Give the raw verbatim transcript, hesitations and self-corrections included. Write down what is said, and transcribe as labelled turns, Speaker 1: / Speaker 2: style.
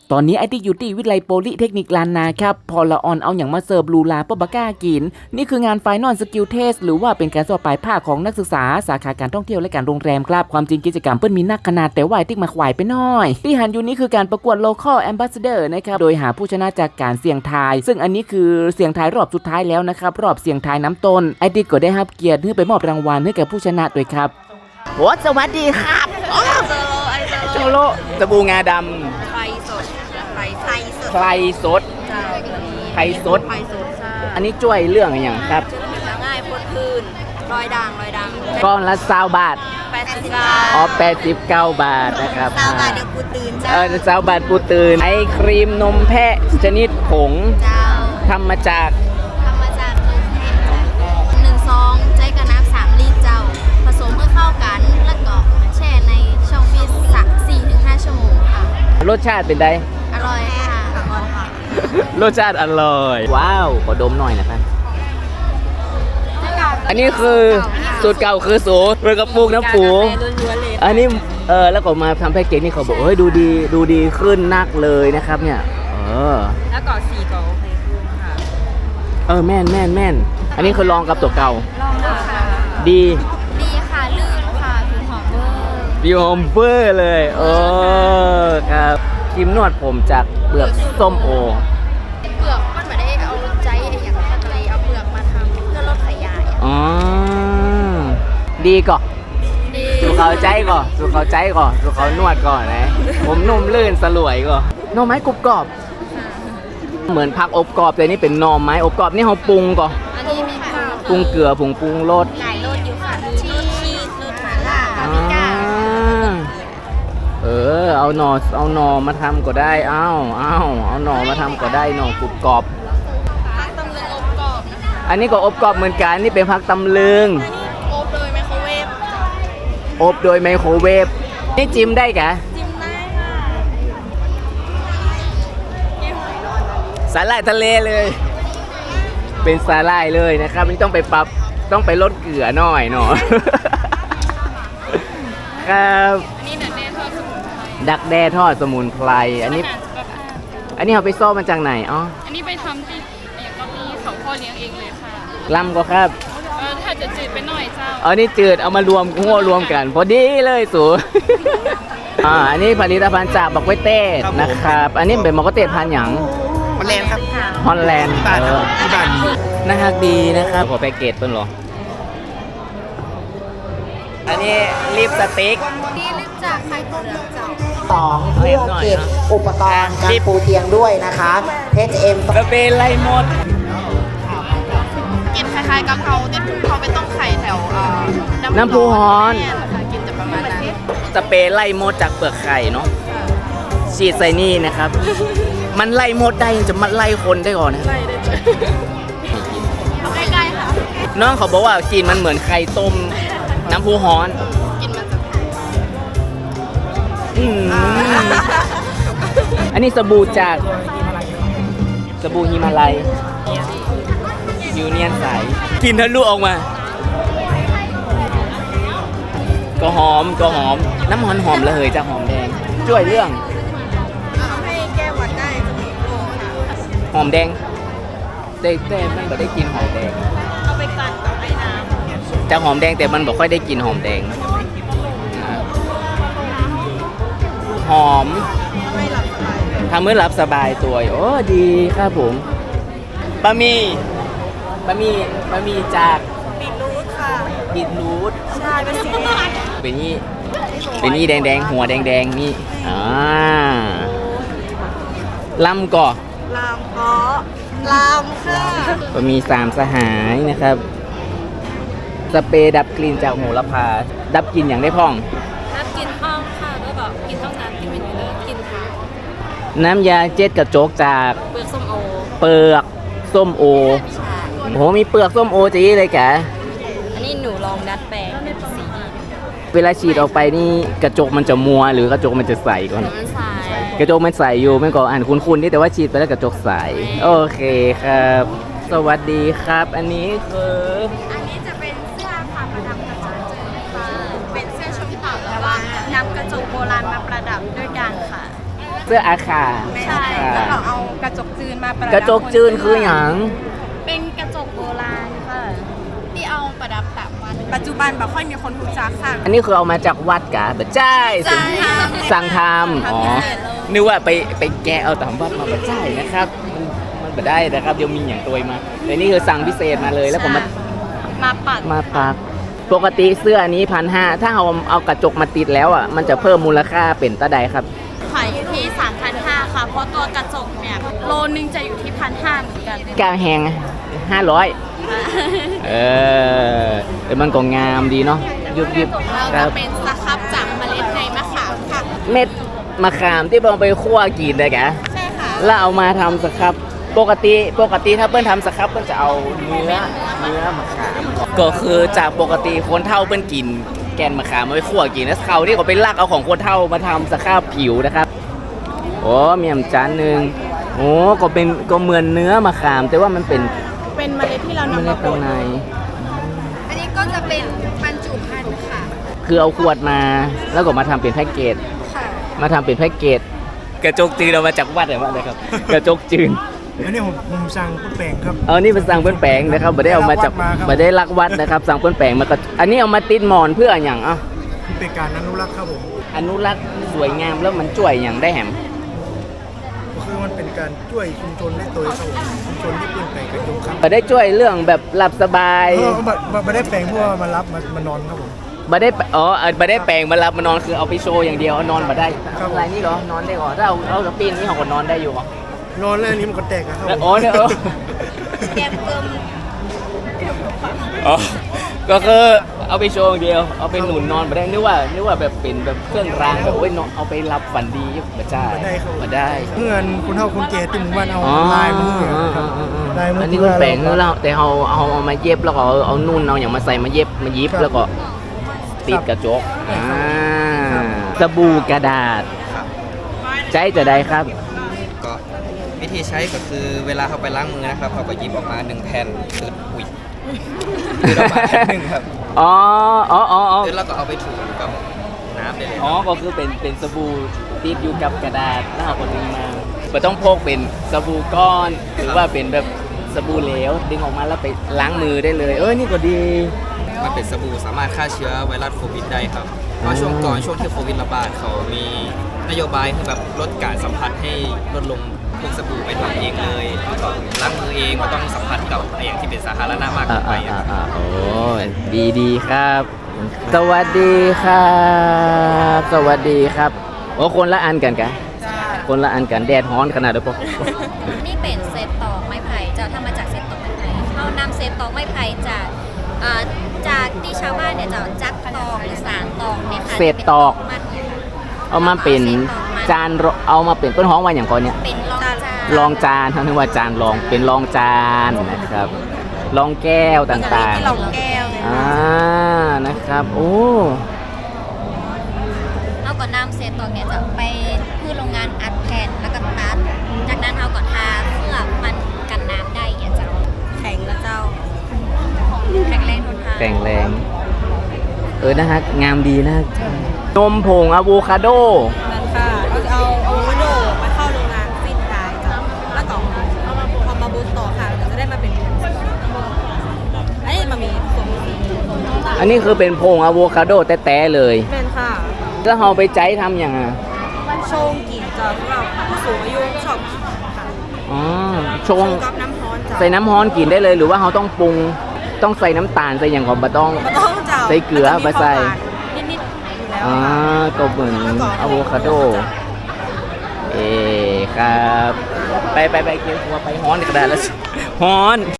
Speaker 1: ตอนนี้ไอที่อยู่ที่วิทยาลัยโพลิเทคนิคลานนาครับพอละออนเอาอย่างมาเสิร์ฟลูลาปะบะก้ากินนี่คืองานไฟนอลสกิลเทสหรือว่าเป็นการสอบปลายภาคของนักศึกษาสาขาการท่องเที่ยวและการโรงแรมครับความจริงกิจกรรมเปิ้นมีนักขนาดแต่ว่าไอที่มาขวายไปหน่อยที่หันอยู่นี้คือการประกวด local ambassador นะครับโดยหาผู้ชนะจากการเสี่ยงทายซึ่งอันนี้คือเสี่ยงทายรอบสุดท้ายแล้วนะครับรอบเสี่ยงทายน้ำต้นไอที่ก็ได้รับเกียรติเพื่อไปมอบรางวัลให้แก่ผู้ชนะด้วยครับโอ้สวัสดีครับโจโลสบู่งาดำ
Speaker 2: ไฟสดไฟไฟสด
Speaker 1: ไพรสด
Speaker 2: เจ้าตัวนี้
Speaker 1: ไพรสด
Speaker 2: ไฟสดใช่
Speaker 1: อันนี้ช่วยเรื่องอะไรอย่างครับ
Speaker 2: จะง่ายพ้นพื้นรอยด่างรอยด่าง
Speaker 1: ก้อนละสามบาท
Speaker 2: แปดสิบเก้า
Speaker 1: อ๋อแปดสิบเก้าบาทนะครับ
Speaker 2: เจ้าบาทเดี๋ยวกูตื่นเจ้า
Speaker 1: เออสามบาทปูตื่นไอครีมนมแพะชนิดผง
Speaker 2: เจ้า
Speaker 1: ทำมาจาก
Speaker 2: ทำมาจากนมแพะหนึ่งซองใช้กับน้ำสามลิตรเจ้าผสมเพื่อเข้ากันแล้วก็แช่ในช่องฟรีซสักสี่ถึงห้าชั่วโมงค่ะ
Speaker 1: รสชาติเป็นไง
Speaker 2: อร่อยค่ะอร่อยค่ะ
Speaker 1: รสชาติอร่อย ว้าวขอดมหน่อยนะครับอันนี้คือสูตรเก่าคือสูตรเรือกับปลูกน้ำปูอันนี้เออแล้วก็มาทำแพ็กเกจนี่เขาบอกเฮ้ยดูดีดูดีขึ้นนักเลยนะครับเนี่ยเออ
Speaker 2: แล้วก็สีก็โอเคขึ้นค่ะ
Speaker 1: เออแม่นแม่นแม่นอันนี้คือลองกับตัวเก่า
Speaker 2: ลองดูค่ะ
Speaker 1: ดี
Speaker 2: ดีค่ะลื่นค่ะผิวหอมเวอร์
Speaker 1: ดีหอมเฟอร์เลยเออครับครีมนวดผมจากเปลือกส้มโอ
Speaker 2: เปลือกมันไม่ได้เอาใจไอ้อย่างนั้นเลยเอาเปลือกมาทำเพื่อลดขยาย
Speaker 1: อ๋อดีก่อน
Speaker 2: ดี
Speaker 1: สู่เขาใจก่อนสู่เขาใจก่อนสู่เขานวดก่อนนะผมนุ่มลื่นสลวยก่อนหน่อไม้กรุบกรอบ เหมือนผักอบกรอบแต่นี่เป็นหน่อไม้อบกรอบนี่เขาปรุงก่อน
Speaker 2: อันนี้มีข้าว
Speaker 1: ปรุงเกลือผงปรุงรส
Speaker 2: หลายรสอยู่ค่ะชีสชีสรสหม่าล่าปาปริก้า
Speaker 1: เออเอาหน่อเอาหน่อมาทำก็ได้เอ้าเอ้าเอาหน่อมาทำก็ได้หน่อกรุบกรอบ
Speaker 2: ผักตำลึงอบกรอบนะคะ
Speaker 1: อันนี้ก็อบกรอบเหมือนกันนี่เป็นผักตำลึง
Speaker 2: อบโดยไมโครเวฟ
Speaker 1: อบโดยไมโครเวฟนี่จิ้มได้กะ
Speaker 2: จิ้มได้ค่ะ
Speaker 1: สาหร่ายทะเลเลย เป็นสาหร่ายเลยนะครับไม่ต้องไปปรับต้องไปลดเกลือหน่อยเนาะ ครับ
Speaker 2: อันนี้เนื้อแน่ทอดสมุนไพร
Speaker 1: ดักแด้ทอดสมุนไพรอันนี้อันนี้เอาไปซ่อมมาจากไหนอ๋อ
Speaker 3: อันนี้ไปทำที่อย่างก็มีเขาพ่อเลี้ยงเองเลยค่ะ
Speaker 1: ลำก็ครับ
Speaker 3: เออถ้าจะจืดไปหน่อยเจ้า
Speaker 1: เอานี่จืดเอามารวมหัวรวมกัน พอดีเลยสู อ่าอันนี้ผลิตภัณฑ์จากบักไวเต้นะครับ อันนี้เป็นบักไวเต้พันธุ์หยัง
Speaker 4: ฮอลแลนด์ครับ
Speaker 1: ฮอลแลนด์
Speaker 4: ที่บ้านครับที่บ้านมี
Speaker 1: น่ารักดีนะครับขอแพ็กเกจเพิ่นเหรออันนี้ลิปสติก
Speaker 2: นี่ลิปจากไข่เปลือกเจ้า
Speaker 5: สองเพื่อเก็บอุปกรณ์การปูเตียงด้วยนะคะ เอช เอ็ม
Speaker 1: กระเบนไล่หมด
Speaker 2: กินคล้ายๆกะเพราแต่เขาไปต้มไข่แถวเอ่อ
Speaker 1: น้ำพุฮ้อน
Speaker 2: แม่นค่ะกินจะประมาณนั้น
Speaker 1: สเปรย์ไล่มดจากเปลือกไข่เนาะฉีดใส่นี่นะครับ มันไล่มดได้ยังจะมาไล่คนได้ก่อนนะ
Speaker 2: ใกล้ๆค่ะ
Speaker 1: น้องเขาบอกว่ากลินมันเหมือนไข่ต้มน้ำพุฮ้อน
Speaker 2: กินมันจะ
Speaker 1: อืมอันนี้สบู่จากสบู่ฮิมาลัยยูเนียนใสกินทะลุออกมา ก็หอมก็หอมน้ำหอมหอมระเหยจากหอมแดงช่วยเรื่อง
Speaker 2: ให้แก้หวัดได้จะมีโลค่ะ
Speaker 1: หอมแดงแต่แต่มันไม่ได้กลินหอมแดง
Speaker 2: เอาไปกันกับไอ้น้
Speaker 1: จากหอมแดงแต่มันบอกค่อยได้กลินหอมแดงอ่าหอม
Speaker 2: ำไม่หลับสบาย
Speaker 1: ทำเมื่อหลับสบายตัวโอ้ดีครับผมบะหมี่บะหมี่บะหมี่จาก
Speaker 2: บีทรูทค่ะ
Speaker 1: บีทรูท
Speaker 2: ใช่เป็นสีแดง
Speaker 1: เป็นนี่เป็นนี่แดงแดงๆหัวแดงแดงๆนี่อ่าลำก่อ
Speaker 2: ลามเพาะลามค่ะ
Speaker 1: บะหมี่สามสหายนะครับสเปรย์ดับกลิ่นจากโหระพาดับกลิ่นอย่างได้พ่อง
Speaker 3: น้ำกินห้องค่ะแล้วแบบกินห้องน้ำกินเป็นอยู่เลยกินค่ะ
Speaker 1: น้ำยาเจ็ดกระจกจาก
Speaker 3: เปลือกส้มโอ
Speaker 1: เปลือกส้มโอ
Speaker 2: ใช่
Speaker 1: โหมีเปลือกส้มโอจีเลยแก
Speaker 2: อันนี้หนูลองดัดแปลงเป็นสี
Speaker 1: เวลาฉีดออกไปนี่กระจกมันจะมัวหรือกระจกมันจะใสก่อน
Speaker 2: มันใส
Speaker 1: กระจกมันใสอยู่ไม่ก็อ่านคุ้นๆนี่แต่ว่าฉีดไปแล้วกระจกใสโอเคครับ สวัสดีครับ อันนี้คือ
Speaker 2: อันนี้จะเป็นเสื้อผ้าประดับกระจกเจอค่ะเป็นเสื้อชมพูแต่ว่านำกระจกโบราณมาประดับด้วยกันค่ะ
Speaker 1: เสื้ออาคา
Speaker 3: ใช่แล้วก็เอากระจกจืนมาประดับ
Speaker 1: กระจกจืนคืออย่าง
Speaker 2: เป็นกระจกโบราณค่ะ ที่เอาประดับตามวัด
Speaker 3: ปัจจุบันแบบค่อยมีคนรู้จักค่ะ
Speaker 1: อันนี้คือเอามาจากวัดกะแบบใช่สิสั่งทำอ๋อนึกว่าไปไปแกะเอาตามวัดมาแบบใช่นะครับมันมันไม่ได้นะครับเดี๋ยวมีอย่างตัวมาแต่นี่คือสั่งพิเศษมาเลยแล้วผมมา
Speaker 2: มาปัด
Speaker 1: มาปักปกติเสื้อนี้พันห้าถ้าเอาเอากระจกมาติดแล้วอ่ะมันจะเพิ่มมูลค่าเป็นตะใดครับ
Speaker 2: ขายอยู่ที่ สามพันห้าร้อย ค่ะ เพราะตัวกระจกเนี่ยโลนึงจะอยู่ที่พันห้าเหมือนกัน
Speaker 1: กาแหงห้าร้อยเออแต่มันก็งามดีเนาะยุบยิบ
Speaker 2: เรา
Speaker 1: ครั
Speaker 2: จะ
Speaker 1: บ
Speaker 2: เป็นสครับจากเมล็ดในมะขามค่ะ
Speaker 1: เม็ดมะขามที่เราไปคั่วกินเลยแก
Speaker 2: ใช่ค่ะ
Speaker 1: แล้วเอามาทำสครับปกติปกติถ้าเปิ้ลทำสครับเปิ้ลจะเอาเนื้อเนื้อมะขามก็คือจากปกติคนเฒ่าเปิ้ลกินแกนมะขามมาไปคั่วกินแล้วเขาที่เขาไปลักเอาของคนเฒ่ามาทำสครับผิวนะครับโอ้มียำจานหนึ่งโอ้ก็เป็นก็เหมือนเนื้อมะขาม แต่ว่ามันเป็น
Speaker 3: เป็นเมล็ดที่เรา
Speaker 1: ไม่
Speaker 3: นำ
Speaker 1: ได้
Speaker 3: มาบ
Speaker 1: ข้าง
Speaker 3: ด
Speaker 1: ใน
Speaker 2: อันนี้ก็จะเป็นบรรจุภัณฑ์ค่ะ
Speaker 1: คือเอาขวดมาแล้วก็มาทำเป็นแพ็กเกจ
Speaker 2: ค่ะ
Speaker 1: มาทำเป็นแพ็กเกจกระจกจืนเอามาจากวัดเลยว่าเลยครับ กระจกจืน
Speaker 4: อันนี้ผมผมสั่งพุทแปลงครับ
Speaker 1: เอานี่เป็นสั่งเปิ้นแปลงนะครับไม่ได้เอามาจาก
Speaker 4: ไม่ได้ลักวัดมาครับ
Speaker 1: ไม่ได้ลักวัดนะครับ สั่งเปิ้นแปลงมาก็อันนี้เอามาติดหมอนเพื่ออย่างอ่ะ
Speaker 4: เป็นการอนุรักษ์ครับผม
Speaker 1: อนุรักษ์สวยงามแล้วมันช่วยอย่างได้แหม
Speaker 4: ก็คือมันเป็นการช่วยชุมชนได้โดยครับผมชุมชนที่เปลี่ยนแปลงกระจกครับ
Speaker 1: ไม่ได้ช่วยเรื่องแบบหลับสบาย
Speaker 4: เออมามาไม่ได้แปลงเพราะว่ามารับมามานอนครับผม
Speaker 1: ไม่ได้อ๋อไม่ได้แปลงมาหลับมานอนคือเอาไปโชว์อย่างเดียวเอานอนมาได้
Speaker 4: ครับ
Speaker 1: อะไรนี่เหรอนอนได้เหรอถ้าเอาเอาปีนนี่เขาก็นอนได้อยู่เหรอน
Speaker 4: อนแล้วอันนี้มันก็แตกอะครับผม
Speaker 1: อ๋อเนี่ยเออ
Speaker 2: แกมเกิม
Speaker 1: อ๋อก็คือเอาไปโชว์อย่างเดียว เอาไปหนุนนอนมาได้นึกว่านึกว่าแบบเป็นแบบเครื่องรางแบบโอ้ยนอนเอาไปรับฝันดีมาใช่
Speaker 4: มาได้ครับ
Speaker 1: มาได้
Speaker 4: เพื่อนคุณเท่าคุณแก่ที่หมู่บ้านเอา
Speaker 1: อ๋อ
Speaker 4: ลายมือครับลายมือ
Speaker 1: อั
Speaker 4: อั
Speaker 1: นนี้คุณแปลงแล้วเราแต่เอาเอาเอามาเย็บแล้วก็เอาเอานุ่นเอาอย่างมาใส่มาเย็บมายิบแล้วก็ติดกระจกอ่าสบู่กระดาษใจจะได้ครับ
Speaker 6: ก็วิธีใช้ก็คือเวลาเขาไปล้างมือนะครับเขาก็หยิบออกมาหนึ่งแผ่นคืออุ้ยคือออกมาแผ่นหนึ่งครับ
Speaker 1: อ๋ออ๋ออ๋ออ๋อ
Speaker 6: คือแล้วก็เอาไปถูกับน้ำได้เลย
Speaker 1: อ๋อก็คือเป็นเป็นสบู่ติดอยู่กับกระดาษแล้วเอาก็ดึงมาไม่ต้องพกเป็นสบู่ก้อน หรือว่าเป็นแบบสบู่เหลวดึงออกมาแล้วไปล้างมือได้เลย เอ้ยนี่ก็ดี
Speaker 6: มันเป็นสบู่สามารถฆ่าเชื้อไวรัสโควิดได้ครับเพราะช่วงก่อนช่วงที่โควิดระบาดเขามีนโยบายคือแบบลดการสัมผัสให้ลดลงพวกสบู่ไปทำเองเลยแล้วก็ล้างมือเองไม่ต้องสัมผัสกับอะไรอย่างที่เป็นสาธารณะมากเกิ
Speaker 1: อ่าน
Speaker 6: ไป
Speaker 1: อ่า
Speaker 6: อะครับ
Speaker 1: อ่าโอ้ดีดีครับ สวัสดีครับสวัสดีครับโอ้คนละอันกันกะคนละอันกันแดดฮ้อนขนาดเดียวปะ
Speaker 2: นี่เป็นเศษตอกไม้ไผ่จะทำมาจากเศษตอกไม้ไผ่เรานำเศษตอกไม้ไผ่จากอ่าจากที่ชาวบ้านเนี่ยจะจักตอกหรือสารตอกเนี่ยค่ะ
Speaker 1: เศษตอก
Speaker 2: มัน
Speaker 1: เอามาเป็นจานรเอามาเป็นต้นห้องว่าอย่างก่อนเนี่ย
Speaker 2: เป็นรองจาน
Speaker 1: รองจานเขาเรียกว่าจานรองเป็นรองจานนะครับรองแก้วต่าง
Speaker 3: ที่เราแก้ว
Speaker 1: ๆอ่านะครับโอ้
Speaker 2: เราก็นำเศษตอกเนี่ยจะไปพืชโรงงานอัดแผ่นแล้วก็ตัดจากนั้นเราก็ทาเพื่อมันกันน้ำได้อย่าเจ้าแข็งแล้วเจ้าแข็งแรงทนทาน
Speaker 1: แข็งแรงเออนะฮะงามดีนะนมผงอะโวคาโด
Speaker 3: นั่นค่ะเราจะเอาอะโวคาโดมาเข้าโรงงานฟินได้จ้ะแล้วก็เอามาเอามาบูสต่อค่ะเราจะได้มาเป็นอันนี้มันมีส่วนสี
Speaker 1: อันนี้คือเป็นผงอะโวคาโดแต้ๆเลย
Speaker 3: เป็นค่ะ
Speaker 1: แล้วเราไปใจทำอย่างอ่ะ
Speaker 3: ชงกินจ้ะสำหรับผู้สูงอายุชอบกินค่ะ
Speaker 1: อ๋อช
Speaker 3: ช
Speaker 1: ง
Speaker 3: งกับน้ำร้อนจ้ะ
Speaker 1: ใส่น้ำร้อนกินได้เลยหรือว่าเราต้องปรุงต้องใส่น้ำตาลใส่อย่างของบะต้อง
Speaker 3: มันต้องจ้ะ
Speaker 1: ใส่เกลือ
Speaker 3: มันจะมี
Speaker 1: มาใส่
Speaker 3: ความหวานนิดๆอยู่แล้ว
Speaker 1: อ่า
Speaker 3: ค่ะ
Speaker 1: ก็เหมือนอะโวคาโด เอครับ ไปไปไปเกี่ยวหัวไปฮ้อนอีกแล้วแล้วฮ้อน